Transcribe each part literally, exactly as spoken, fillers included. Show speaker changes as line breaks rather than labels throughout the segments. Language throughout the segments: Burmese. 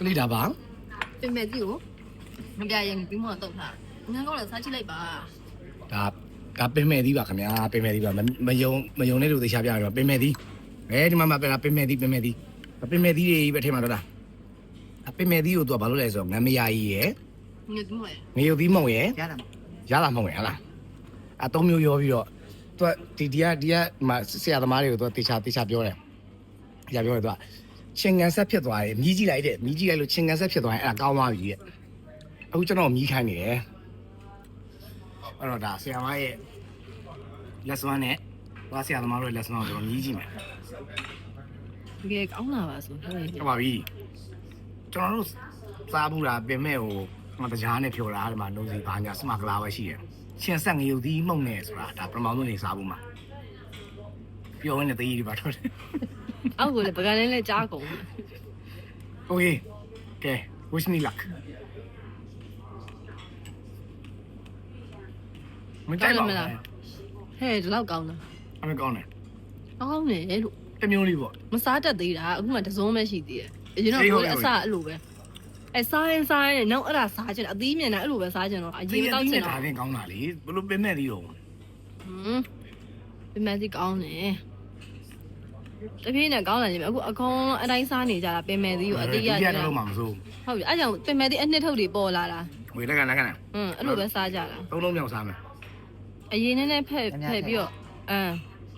ကလေးဒါပါ
ပြင်မဲ့ကြီးကိုမပြရင်ပြီးမှတော့ထားငန်းကောင်းလည်းစားချိလိုက်ပါ
ဒါဒါပင်မဲ့သီးပါခင်ဗျာပင်မဲ့သီးပါမယုံမယုံတဲ့လူသေချာပြရတော့ပင်မဲ့သီးအဲဒီမှာမှပင်ပင်မဲ့သီးပင်မဲ့သီးပင်မဲ့သီးတွေပဲထဲမှာတော့လားအပင်မဲ့သီးကိုသူကဘာလို့လဲဆိုတော့ငမယာကြီးရယ်
ငါတို့မရ
ငရုတ်သီးမုံရယ်
ရတာ
ရလာမုံရယ်ဟလားအသုံးမျိုးရောပြီးတော့သူကဒီဒီကဒီကမှာဆရာသမားတွေကိုသူကတေချာတေချာပြောတယ်။ကြာပြောတယ်သူကချင်းကန်ဆက်ဖြစ်သွားတယ်မြည်ကြည့်လိုက်တဲ့မြည်ကြည့်လိုက်လို့ချင်းကန်ဆက်ဖြစ်သွားရင်အဲ့ဒါကောင်းသွားပြီတဲ့။အခုကျွန်တော်မြည်ခိုင်းနေတယ်။အဲ့တော့ဒါဆရာမရဲ့ lesson နဲ့ဘာဆရာသမားတို့ရဲ့ lesson ကိုကျွန်တော်မြည်ကြည့်မယ်
တကယ်ကောင်းလာပါဆိုဟုတ်
။ဟုတ်ပါပြီ။ကျွန်တော်တို့စားဘူးတာပင်မဲ့ဟိုမတရားနဲ့ဖြော်တာဒီမှာလုံးစီဘာညာစမကလာပဲရှိတယ်။ချင်းဆက်ငရုတ်သီးမှုန့်နေဆိုတာဒါပရမောင်းတို့နေစားဘူးမှာ။ပြောရင်းနဲ့တည်ရည်ပါတော့တယ်
အောက်ကိုလည်းပကံလေးလည်းကြားကုန်
။ Okay. Okay. Wish me luck. မတိုက်ပါဘူး
ဟဲ့ဒီလောက်ကောင်းတာ
အမေကောင်းတယ်
ကောင်းတယ်လို့
တမျိုးလေးပေါ့
မစားတတ်သေးတာအခုမှတစုံပဲရှိသေးတယ်အရင်တော့ကိုယ်အစအဲ့လိုပဲအဲစားရင်စားရင်နောက်အဲ့ဒါစားချင်အသီးမြင်တာအဲ့လိုပဲစားချင်တော့အရင်တောက်ချင်
ဒါ
တော့
လည်းကောင်းတာလေဘလို့ပင်မဲ့သေးတော့
ဟွန်းပြင်မဲ့စီကောင်းတယ်တပြင်းနဲ့ကောင်းလာရင်အခုအကောင်အတိုင်းစားနေကြတာပင်မဲ့သီးကိုအသေးရ
ကြ
ကြ
တာ
တာ
တော့မှမစိုး
ဟုတ်ပြီအဲ့ကြောင့်ပင်မဲ့သီးအနှစ်ထုတ်တွေပေါ်လာတာ
ဝေလက်ကလက်ကန
ဟွန်းအဲ့လိုပဲစားကြတာ
သုံးလုံးမြောက်စားမယ်
အရင်နဲ့နဲ့ဖက်ဖက်ပြီးတော့အမ်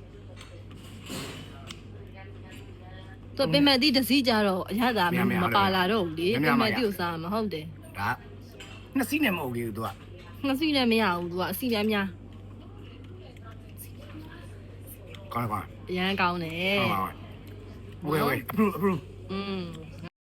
တော့ပင်မဲ့သီးတစ်စီးကြတော့အရသာမပါလာတော့ဘူးလေပင်မဲ့သီးကိုစားမှာဟုတ်တယ်
ဒါနှစ်စီးနဲ့မဟုတ်ဘူးသူက
ငါစီလည်းမရဘူးသူကအစီလည်းများ
ကောင်းကောင်း
အရန်ကောင်းတယ်
ဟုတ်ပါဘူးဝေဝေ approve approve
อืม